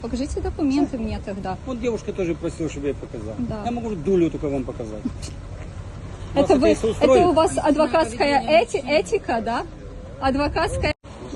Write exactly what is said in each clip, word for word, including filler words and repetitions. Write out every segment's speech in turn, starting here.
Покажите документы мне тогда. Вот девушка тоже просила, чтобы я показал. Да. Я могу дулю только вам показать. Это, вы, если это устроит? у вас адвокатская эти, этика, да? Адвокатская.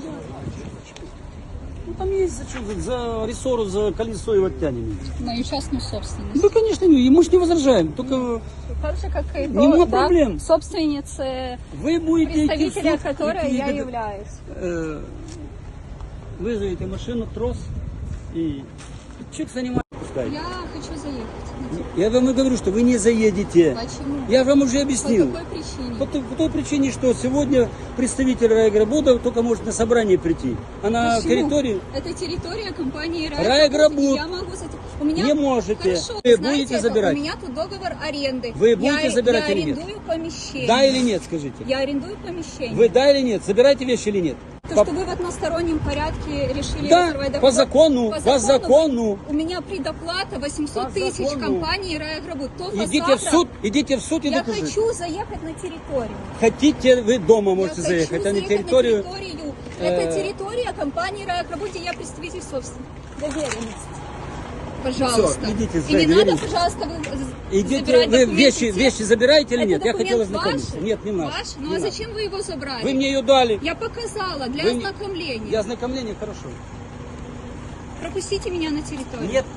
Ну там есть за что, за, за рессору, за колесо его оттянем. Мою частную собственность. Да, конечно, не, мы же не возражаем. Только Так же, как и Нема до, проблем. Да, собственницы, вы будете идти в представителя суд, которой идти я до- являюсь. э, вызовите машину, трос и человек занимается. пускай. Я хочу заехать. Я вам и говорю, что вы не заедете. Почему? Я вам уже По объяснил. какой причине? По той, по той причине, что сегодня представитель Райагробуда только может на собрание прийти. А на Почему? территории Это территория компании Райагробуд. Райагробуд. Я могу зайти. У меня... не можете. Хорошо, Вы знаете, будете это забирать. У меня тут договор аренды. Вы будете я, забирать я или нет? арендую помещение. Да или нет, скажите. Я арендую помещение. Вы да или нет? Забираете вещи или нет? То, По- что вы в одностороннем порядке решили Да, разорвать по договор. закону, по закону. У меня предоплата восемьсот По тысяч закону. компании Райагробуд. Только Идите завтра в суд, идите в суд и Я докажите. хочу заехать на территорию. Хотите, вы дома можете я заехать, хочу а на заехать территорию. на территорию. э, Это территория компании Райагробуд, и я представитель собственности. Доверенность. Пожалуйста. Всё, идите, И не надо, доверенность. пожалуйста, вы Идите, забирать вы документы вещи, те. вещи забираете или Это нет? Я документ хотел ознакомиться. ваш? Нет, не надо. Ваш? Ну Не а надо. зачем вы его забрали? Вы мне ее дали. Я показала для Вы не- ознакомления. Для ознакомления хорошо. Пропустите меня на территорию. Нет.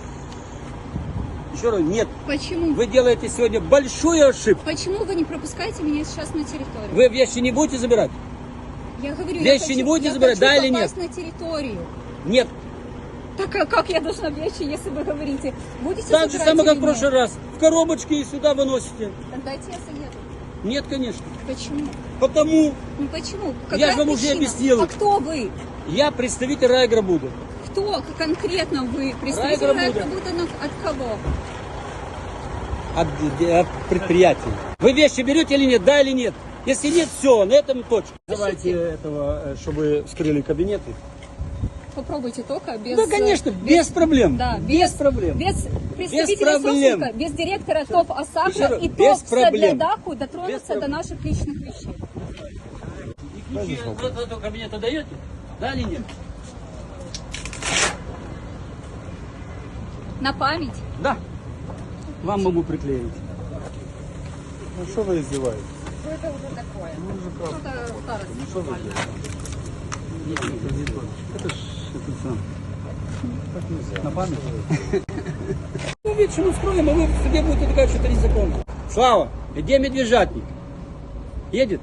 Еще раз, нет. Почему? Вы делаете сегодня большую ошибку. Почему вы не пропускаете меня сейчас на территорию? Вы вещи не будете забирать? Я говорю, Вещи я хочу, не будете я забирать, хочу да или попасть на территорию. Нет. Так а как я должна вещи, если вы говорите? Будете Так же забирать самое, как или в прошлый нет? раз. В коробочке и сюда выносите. Так дайте я заеду. Нет, конечно. Почему? Потому Ну почему? Я же вам уже причина? объяснил. А кто вы? я представитель Райагробуда. Кто конкретно вы? Представитель Райагробуда. Райагробуда на- от кого? От, от предприятия. Вы вещи берете или нет? Да или нет? Если нет, все, на этом точка. Давайте этого, э, чтобы вскрыли кабинеты. Попробуйте только без... Да, конечно, э, без проблем. Да, без, проблем. Без представителя проблем. собственника, без директора ТОВ Еще ОСАГРО раз, и без ТОВ проблем. Садлядаху Без дотронуться проблем. до наших личных вещей. И ключи от этого кабинета даете? Да или нет? На память? Да. Вам могу приклеить. Ну что вы издеваетесь? Что-то старость. Ну что вы делаете? Это ж это сам. Так нельзя. На память? Ну, вечером устроим, а вы в суде будете доказывать, что это незаконно. Слава, где медвежатник? Едет?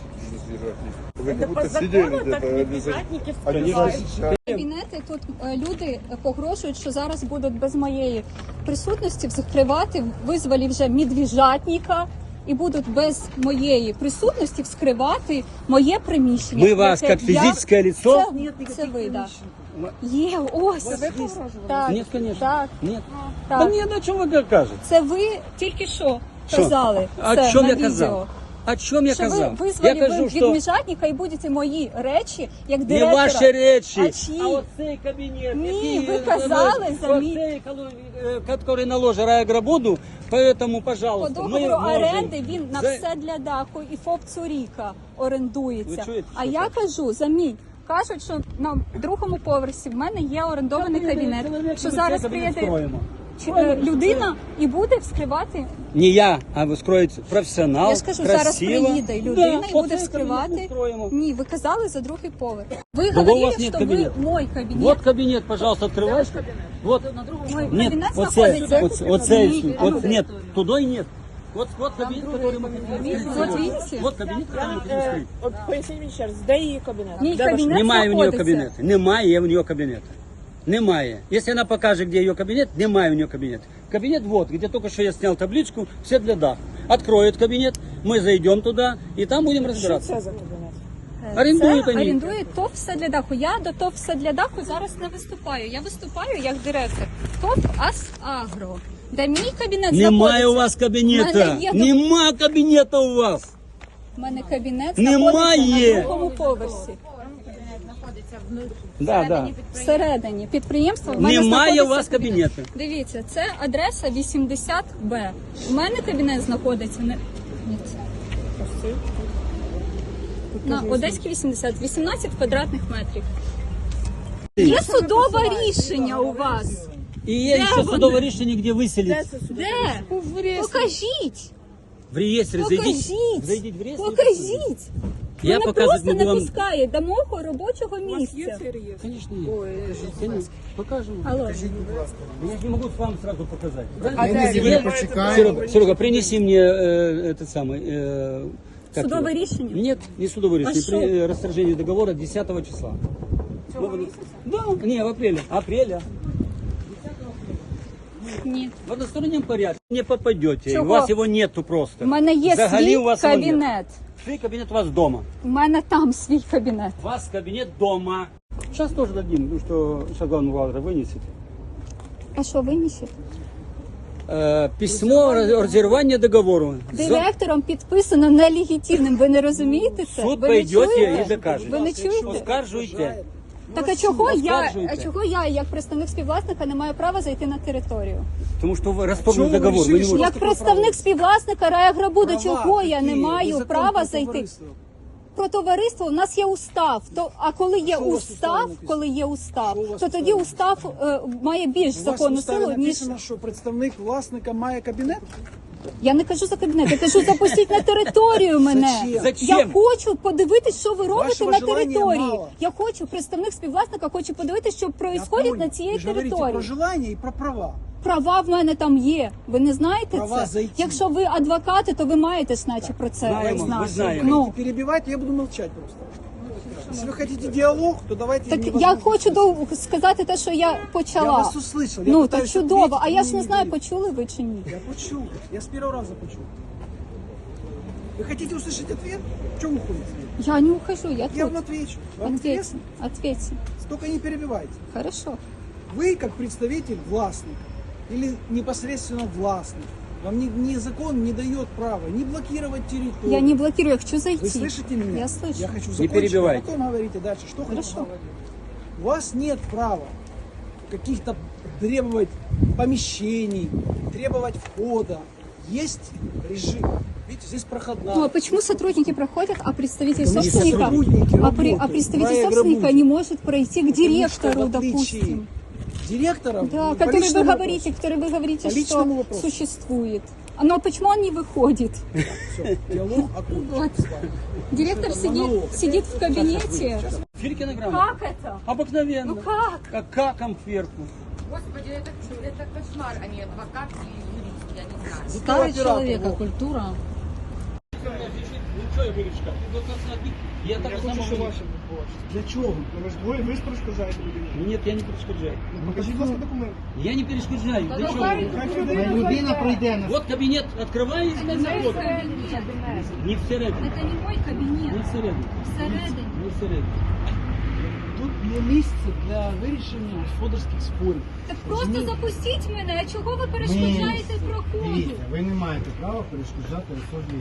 Вы как будто сидели где-то. Они же сейчас. Кабінети тут е, люди погрожують, що зараз будуть без моєї присутності вскривати, визвали вже медвежатника і будуть без моєї присутності вскривати моє приміщення. Ми вас, яке як я- фізичне лицо? Це, це ви, да. Є, ось. Так, Нет, конечно. так, Нет. так. Да нет, о чем вы кажете? Це ви тільки що Що? казали. О це чем на я відео. казав? О чем я Що ви казав? визвали Я кажу, від що медвежатника і будете мої речі, як не директора. ваші речі, А чиї? а оцей кабінет, Ні, який, ви казали е, за мій- оцей, е, який наложив Райагробуду, поэтому, По пожалуйста, ми договору можемо... оренди він на За- все для даху і ФОП Цуріка орендується. Ви чуєте, А що я кажуть? кажу, за мій. Кажуть, що на другому поверсі в мене є орендований Та, кабінет, чоловік, що ми зараз цей кабінет приїде строїмо. чи- е, людина і буде вскривати. Не я, а ви скроєте професіонал, Я ж кажу, зараз красиво. приїде людина Да, і буде оцей кабінет ми вскривати. строїмо. Ні, ви казали за другий поверх. Ви у говорили, вас нет що ви кабінету. мой кабінет. Вот кабинет, пожалуйста, открывайте. Вот. Мой Нет, кабінет оце, знаходиться. оце, оце, Ні, вот, нет, туда и нет. Вот, вот кабинет, который мы хотим Вот скрыть. видите? Вот кабинет, который мы хотим скрыть. От поясніть мені ще раз, де її кабінет? Мій Де ваш- кабінет Немає у нее знаходиться. кабинета. Немає у нее кабинета. Немає. Если она покажет, где ее кабинет, немає у нее кабинет. Кабинет вот, где только что я снял табличку, все для даха. Откроет кабинет, мы зайдем туда, и там будем Що разбираться. це за кабінет? Орендують Це вони. орендує ТОВ «Все для даху». Я до ТОВ «Все для даху» зараз не виступаю. Я виступаю як директор ТОВ «Асагро», де мій кабінет Немає знаходиться. у вас кабинета. мене є Нема кабинета у вас. У мене кабінет Немає. знаходиться на другому поверсі. Да, да. Всередині підприємства в мене Немає у знаходиться вас кабінету. Дивіться, це адреса вісімдесят Б. У мене кабінет знаходиться не... Ні. на Одеській вісімдесят, вісімнадцять квадратних метрів. Є судове рішення у вас. И есть еще судовое решение, где выселить. Де? Покажіть. В реестре зайдите. Покажіть. Зайдите в реестр. Покажіть. Я Мене показывать просто не не буду вам. пускають до мого робочого У вас є місця. цей реєстр? Конечно, есть. Конечно. Покажем. Алло. Я же не могу вам сразу показать. Почекаємо. Серега, Серега, принеси мне э, этот самый... Э, как Судовое его? решение? Нет, не судовое решение. что? При, э, расторжение договора десятого числа. Да, не, в апреле. Апреля. Ні. В одностороннем порядке не попадете. Чего? У вас его нету просто. У мене є Взагалі свій у вас його нет. кабінет. Свой кабинет у вас дома. У мене там свій кабінет. У вас кабинет дома. Сейчас тоже дадим, ну что сейчас главный бухгалтер вынесет. А що винесете? Э, письмо о разорвании договора. Директором підписано нелегітимним. Ви не розумієте це? Суд Ви не пойдете чуєте? и докажете. Ви не чуєте? Оскаржуйте. Так а чого я, Оскаржуйте. а чого я, як представник співвласника, не маю права зайти на територію? Потому что вы расторгнули договор. Вы не можете. Як представник співвласника Райаграбуда, чого я не маю права зайти? Про товариство у нас є устав. То а коли є устав, коли є устав, то тоді устав е, має більш У вас в законну уставі силу ніж написано, що представник власника має кабінет? я не кажу за кабінет. Я кажу, запустіть на територію мене. Зачем? Зачем? Я хочу подивитись, що ви робите Вашого на желання території. мало. Я хочу представник співвласника, хочу подивитись, що Я відбувається понял. на цієї Ви ж говорите про території. желання і про права. Права в мене там є. Ви не знаєте Права це? зайти. Якщо ви адвокати, то ви маєте ж наче про це Знаємо, знати. ми знаємо. Ну, Перебивайте, я буду молчать просто. Если вы хотите диалог, то давайте... так невозможно. я хочу до, сказати те, що я почала. Я вас услышал. Я ну, пытаюсь так чудово. ответить, А вы я ж мне не знаю, говорите. почули ви чи ні. Я почул. Я с первого раза почул. Вы хотите услышать ответ? В чем уходите? Я не ухожу, я Я тут. вам отвечу. Вам Ответьте, интересно? ответьте. Только не перебивайте. Хорошо. Вы, как представитель властника или непосредственно властник, вам ни, ни закон не дает права не блокировать территорию. Я не блокирую, я хочу зайти. Вы слышите меня? Я слышу. Я хочу Не закончить, перебивайте. а потом говорите дальше, что Хорошо. хотите. У вас нет права каких-то требовать помещений, требовать входа. Есть режим. Видите, здесь проходная. Ну, а почему сотрудники проходят, а представитель Потому что собственника, сотрудники а, при- а работают, представитель проект собственника работает. не может пройти к директору, Потому что в отличие допустим? директора, Да, по который вы личному говорите, который вы говорите, По что личному вопросу. существует. А ну а почему он не выходит? вопросу. Всё, диалог окончен Вот. с вами. Директор Это сидит, монолог. сидит в кабинете. Филькина грамота. Как это? Обыкновенно. Ну как? Как каком кверху. Господи, это, это кошмар, а не адвокат и юрист, я не знаю. Старый человека, культура. Ну что я буду читать? Ну, как смотри, Я так Я само хочу, щоб говорю. ваше відбулося. Для чого? Ну, ви ж ви, ви ж перешкоджаєте людині. Нет, я не перешкоджаю. Ну, покажіть, будь ласка, документ. Я не перешкоджаю. Для чего? Людина пройде на Вот кабинет открывается и заходит. Не всередині. Это не мой кабинет. Не всередині. Всередині. Не всередині. Тут є місце для вирішення господарських спорів. Так просто запустіть мене. А чого ви перешкоджаєте проходу? Дивіться, ви не маєте права перешкоджати особі.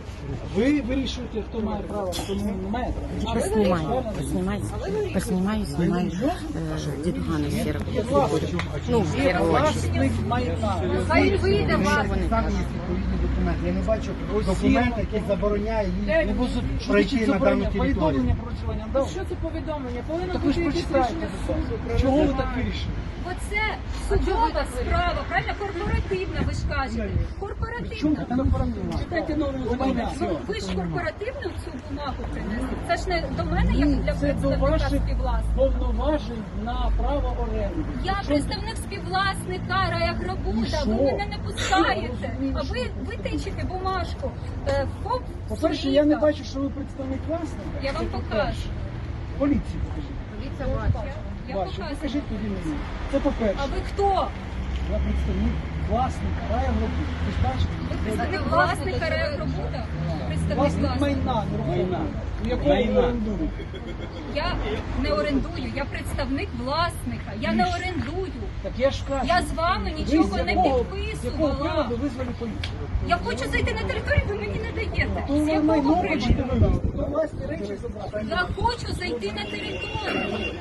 Ви вирішуєте, хто має право, хто не має права. Поснимаю, поснимаю, поснимаю, снимаю э, дедугана серого. Ну, в первую очередь. Власник майна. Хай вийде вас. Там є відповідні документи. Я не бачу документ, який забороняє їй пройти на дану територію. Повідомлення про вживання дав. Що це повідомлення? Повинно Так ви ж бути якесь прочитайте. рішення суду. Чого ви так вирішили? Оце судова справа, правильно? Корпоративна, ви ж кажете. Корпоративна. Читайте нову закон. Ну, ви ж корпоративну цю бумагу принесли. Це ж не до мене, як для Це до представника ваших співвласника. повноважень на право оренди. Я представник співвласника Райаграбуда, ви мене не пускаєте. А ви, ви тичите бумажку. Е, ФОП По-перше, я не Суліка. бачу, що ви представник власника. Я вам Це покажу. по-перше. Поліції покажіть. Полиция бачит. Я Бачу. покажу. Покажіть тоді мені. Це по-перше. А ви хто? Я представник власника Райаграбуда. Ви ж бачите? Ви представник власника Райаграбуда? Представник Власник власника. майна, нерухомого, якого ви Майна. орендуєте. Я не орендую, я представник власника. Я не орендую. Так я ж кажу. Я з вами ви нічого з не якого- З якого підписувала. приводу визвали поліцію? Я хочу зайти на територію, ви мені не даєте. То З ви якого майно хочете приводу? вивезти, то власні речі забрати. Я хочу зайти на територію.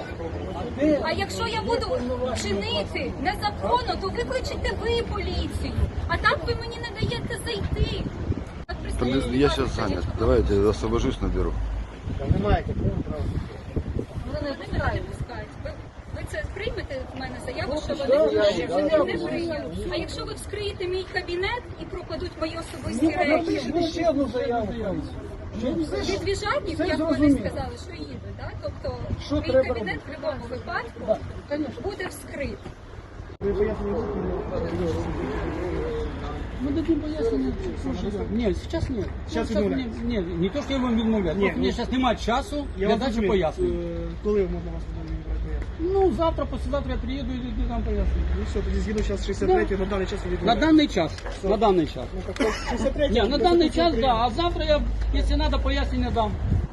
А де? А якщо я буду чинити незаконно, то викличете ви поліцію. А так ви мені не даєте зайти. Так, представник Подожди, я сейчас занят. Давайте я освобожусь, наберу. Там не маєте права. Ви не пускають. Ви це приймете в мене заяву, що вони не прийняли. А якщо ви вскриєте мій кабінет і пропадуть мої особисті речі, Напишите ще одну заяву. відвіжатник, Це як вони зрозуміло. сказали, що їдуть, да? Тобто Що мій треба кабінет в будь-якому випадку буде вскрит. Мы дадим пояснение. Нет, сейчас нет. Сейчас Ну, відмовляють. не, не, не то, что я вам відмовляю. Ні, Просто мені ну, зараз немає часу Я для вам дачі розумію. пояснень. Е, Коли можна вас пояснити? Ну, завтра, послезавтра я приеду и дам пояснення. Ну все, тоді згідно зараз шістдесят три, на даний час ви На даний час. На даний час. шістдесят три. Ні, на даний час, да. А завтра я, якщо треба, пояснення дам.